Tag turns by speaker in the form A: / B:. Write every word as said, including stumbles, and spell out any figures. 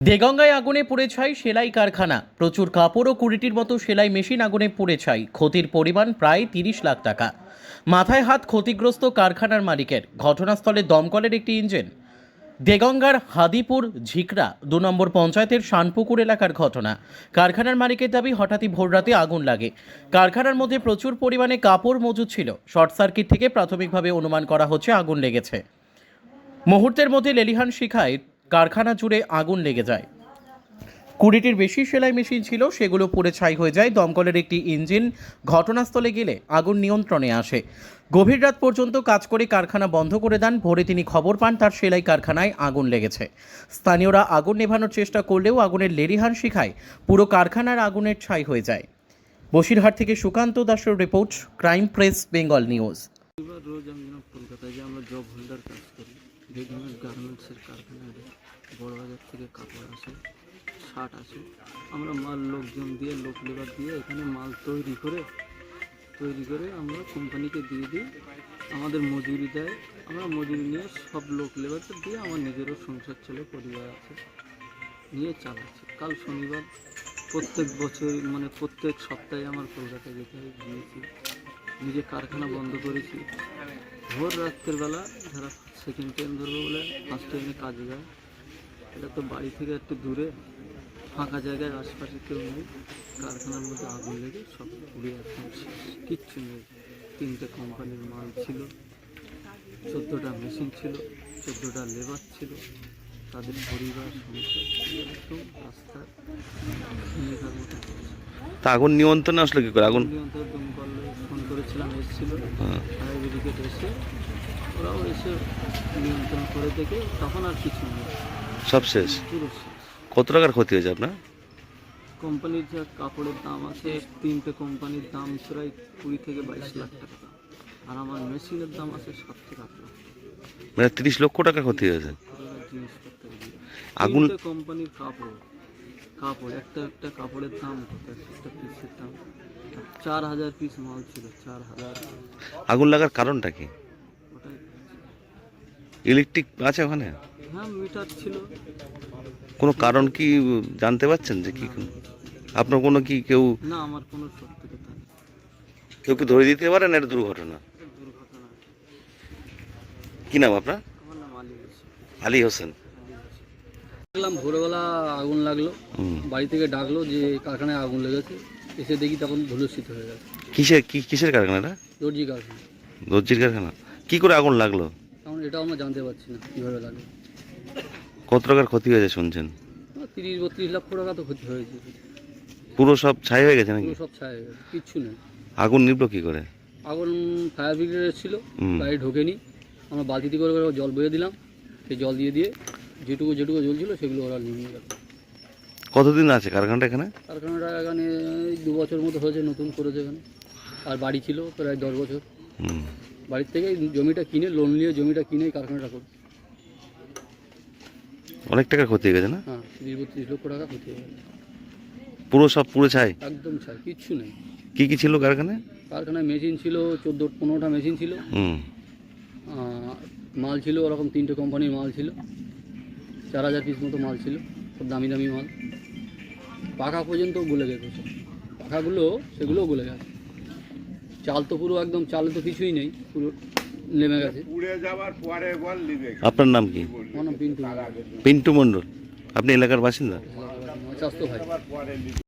A: দেগঙ্গায় আগুনে পুড়ে ছাই সেলাই কারখানা। প্রচুর কাপড় ও কুড়িটির মতো সেলাই মেশিন আগুনে পুড়ে ছাই। ক্ষতির পরিমাণ প্রায় তিরিশ লাখ টাকা। মাথায় হাত ক্ষতিগ্রস্ত কারখানার মালিকের। ঘটনাস্থলে দমকলের একটি ইঞ্জিন। দেগঙ্গার হাদিপুর ঝিকরা দু নম্বর পঞ্চায়েতের শানপুকুর এলাকার ঘটনা। কারখানার মালিকের দাবি, হঠাৎই ভোররাতে আগুন লাগে। কারখানার মধ্যে প্রচুর পরিমাণে কাপড় মজুদ ছিল। শর্ট সার্কিট থেকে প্রাথমিকভাবে অনুমান করা হচ্ছে আগুন লেগেছে। মুহূর্তের মধ্যে লেলিহান শিখায় কারখানা জুড়ে আগুন লেগে যায়। কুড়িটির বেশি সেলাই মেশিন ছিল, সেগুলো পুড়ে ছাই হয়ে যায়। দমকলের একটি ইঞ্জিন ঘটনাস্থলে গেলে আগুন নিয়ন্ত্রণে আসে। গভীর রাত পর্যন্ত কাজ করে কারখানা বন্ধ করে দেন। ভোরে তিনি খবর পান তার সেলাই কারখানায় আগুন লেগেছে। স্থানীয়রা আগুন নেভানোর চেষ্টা করলেও আগুনের লেলিহান শিখায় পুরো কারখানার আগুনের ছাই হয়ে যায়। বসিরহাট থেকে সুকান্ত দাসের রিপোর্ট, ক্রাইম প্রেস বেঙ্গল নিউজ।
B: এবার রোজ আমি যেন কলকাতায় যে আমরা জব হোল্ডার কাজ করি, রেডিমেড গার্মেন্টসের কারখানায় বড় বাজার থেকে কাপড় আসে, শার্ট আসে, আমরা মাল লোকজন দিয়ে লোক লেবার দিয়ে এখানে মাল তৈরি করে তৈরি করে আমরা কোম্পানিকে দিয়ে দিই। আমাদের মজুরি দেয়, আমরা মজুরি নিয়ে সব লোক লেবারকে দিয়ে আমার নিজেরও সংসার চলে, পরিবার আছে, নিয়ে চালাচ্ছি। কাল শনিবার প্রত্যেক বছর মানে প্রত্যেক সপ্তাহে আমার কলকাতায় যেতে হয়, গিয়েছি, নিজে কারখানা বন্ধ করেছি। ভোর রাত্রের বেলা যারা সেকেন্ড ট্রেন ধরবে বলে ফার্স্ট ট্রেনে কাজে যায়, এটা তো বাড়ি থেকে একটু দূরে, ফাঁকা জায়গায়, আশপাশে কেউ নেই। কারখানার মধ্যে আগুন লেগে সব পুড়ে একদম শেষ, কিচ্ছু নেই। তিনটে কোম্পানির মাল ছিল, চোদ্দোটা মেশিন ছিল, চোদ্দোটা লেবার ছিল, তাদের পরিবার সংসার একদম রাস্তার ভূমিকার মতো।
C: তা আগুন নিয়ন্ত্রণে আসলো কি করে? আগুন
B: নিয়ন্ত্রণ দমকল ফোন করেছিলাম, এসেছিল, ফায়ার ব্রিগেড এসে ওরাও এসে নিয়ন্ত্রণ করে দেখে তখন আর কিছু নেই,
C: সব শেষ।
B: পুরো শেষ।
C: কত টাকার ক্ষতি হয়েছে আপনার?
B: কোম্পানির যা কাপড়ের দাম আছে, তিনটে কোম্পানির দাম প্রায় কুড়ি থেকে বাইশ লাখ টাকা দাম, আর আমার মেশিনের দাম আছে সাত থেকে আট লাখ।
C: মানে তিরিশ লক্ষ টাকা ক্ষতি হয়েছে।
B: জিনিসপত্র
C: আগুন
B: কোম্পানির কাপড় কাপড় একটা একটা কাপড়ের দাম কত, একটা পিসের দাম চার হাজার পিস মাল ছিল, চার হাজার।
C: আগুন লাগার কারণটা কি?
B: ওটাই
C: ইলেকট্রিক আছে ওখানে?
B: হ্যাঁ, মিটার ছিল।
C: কোনো কারণ কি জানতে পারছেন যে কি? আপনার কোনো কি কেউ
B: না, আমার কোনো সত্যি কথা নেই।
C: কেউ কি ধরে দিতে পারেন? এটা দুর্ঘটনা।
B: দুর্ঘটনা।
C: কি নাম আপনার?
B: আমার নাম আলী হোসেন।
C: আলী হোসেন।
B: দেখলাম ভোরবেলা আগুন লাগলো,
C: হুম।
B: বাড়ি থেকে ডাকলো যে কারখানায় আগুন লেগেছে। এসে দেখি তখন ধুলোস্থিত হয়ে গেছে।
C: কিসের কি কিসের কারখানাটা?
B: দর্জি কারখানা।
C: দর্জির কারখানা। কি করে আগুন লাগলো?
B: কারণ এটাও আমরা জানতে পারছি না কীভাবে লাগলো।
C: কত টাকার ক্ষতি হয়েছে শুনছেন?
B: তিরিশ বত্রিশ লাখ টাকা তো ক্ষতি হয়েছে।
C: পুরো সব ছাই হয়ে গেছে নাকি?
B: পুরো সব ছাই হয়ে গেছে, কিচ্ছু নেই।
C: আগুন নিভলো কি করে?
B: আগুন ফায়ার ব্রিগেড এসেছিলো,
C: হুম।
B: গাড়ি ঢোকেনি। আমরা বালতিতে করে করে জল বয়ে দিলাম, সেই জল দিয়ে দিয়ে যেটুকু যেটুকু জ্বলছিল সেগুলো ওরা নিয়ে গেল।
C: কতদিন আছে কারখানাটা এখানে?
B: কারখানাটা এখানে এই দু বছর মতো হয়েছে, নতুন করেছে এখানে। আর বাড়ি ছিল প্রায় দশ বছর।
C: হুম।
B: বাড়ির থেকে জমিটা কিনে, লোন নিয়ে জমিটা কিনে কারখানাটা করি।
C: অনেক টাকা ক্ষতি হয়ে গেছে না?
B: হ্যাঁ, তিরিশ বত্রিশ লক্ষ টাকা ক্ষতি হয়ে গেছে।
C: পুরো সব পুরো ছাই?
B: একদম ছাই, কিচ্ছু নেই।
C: কি কি ছিল কারখানায়?
B: কারখানায় মেশিন ছিল চোদ্দো পনেরোটা মেশিন ছিল,
C: হুম।
B: মাল ছিল ওরকম তিনটে কোম্পানির মাল ছিল, চার হাজার পিস মতো মাল ছিল, সব দামি দামি মাল। পাখা পর্যন্ত গলে গেছে, সব পাখাগুলো সেগুলোও গলে গেছে। চাল তো পুরো একদম, চালে তো কিছুই নেই, পুরো নেমে গেছে।
C: আপনার নাম কি?
B: আমার নাম পিন্টু।
C: পিন্টু মণ্ডল। আপনি এলাকার বাসিন্দা?
B: স্বাস্থ্য ভাই।